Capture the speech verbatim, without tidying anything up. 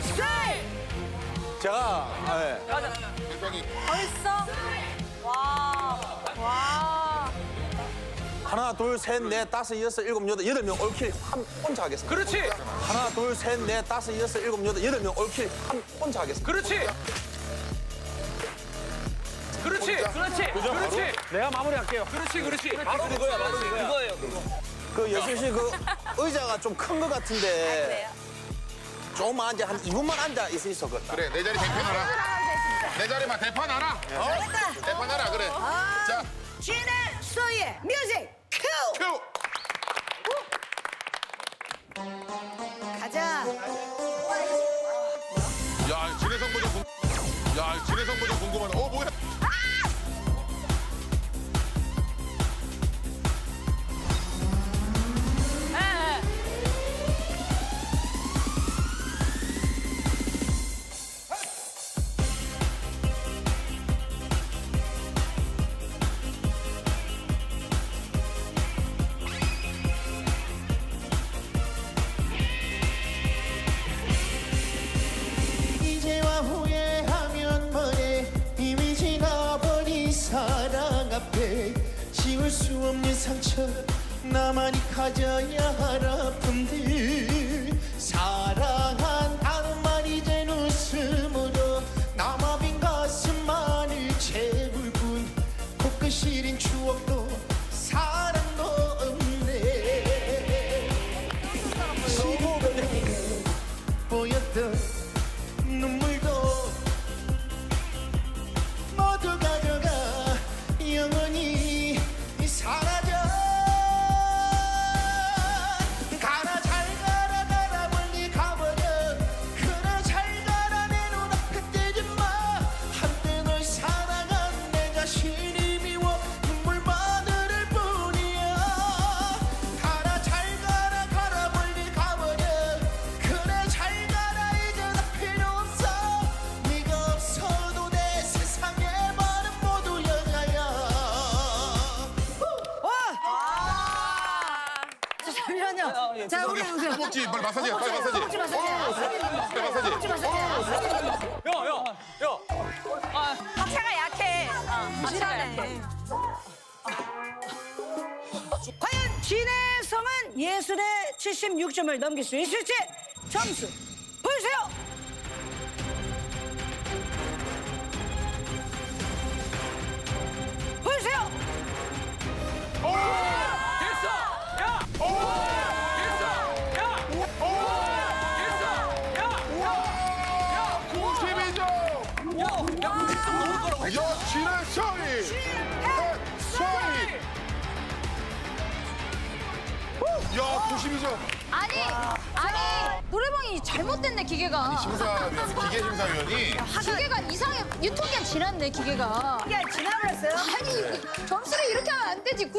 제가 네. 벌써? 와. 와. 하나, 둘, 셋, 넷, 다섯, 여섯, 일곱, 여덟, 여덟 명 올킬 한 혼자 하겠습니다. 그렇지. 하나, 둘, 셋, 넷, 다섯, 여섯, 일곱, 여덟, 여덟 명 올킬 한 혼자 하겠습니다. 그렇지. 그렇지. 그렇지. 그렇지. 내가 마무리할게요. 그렇지. 그렇지. 바로 그거야. 바로 그거야. 그거예요. 그 여순 씨 그 의자가 좀 큰 것 같은데 그래요? 조금만 앉아 한 이 분만 앉아 있을 수 있었겠다. 그래, 내 자리 대판하라. 내 자리만 대판하라. 어? 대판하라, 그래. 자, 진의 소의 뮤직 큐! 큐! 가자. 야, 진해성 버전 궁... 야, 진해성 버전 궁금하다. 어, 뭐야? 이제와 후회하면 뭐해 이미 지나버린 사랑 앞에 지울 수 없는 상처 나만이 가져야 할 아픔들 사랑한다는 말 이젠 웃음으로 남아 빈 가슴만을 채울 뿐 코끝 시린 추억도 사랑도 없네 시간에 보였던 눈물도 모두 가져가 영원히 사라져 가라 잘 가라 가라 멀리 가버려 그래 잘 가라 내 눈앞에 떼지 마 한때 널 사랑한 내 자신이 미워 눈물만 흐를 뿐이야 가라 잘 가라 가라 멀리 가버려 그래 잘 가라 이제 나 필요 없어 네가 없어도 내 세상에 많은 모두 여자야 잠시만요. 자, 우리 오세요. 허벅지, 빨리 마사지, 빨리 마사지. 허벅지 마사지. 빨리 마사지. 허벅지 마사지. 야, 야, 야. 박차가 약해. 박차가 약해. 과연 진의 성은 예술의 칠십육 점을 넘길 수 있을지 점수 보여주세요. 보여주세요. 됐어. 야. 됐어. 야. 됐어. 야. 구십이 점. 야. 야, 구십 점 넘을 거라고 했잖아. 야, 진해성이. 성이. 야, 구십이 점. 아니, 아니, 노래방이 잘못됐네, 기계가. 심사위원, 기계 심사위원이. 기계가 이상해, 유통기한 지났네, 기계가. 이게 지나버렸어요. 아니, 점수를 이렇게 하면 안 되지.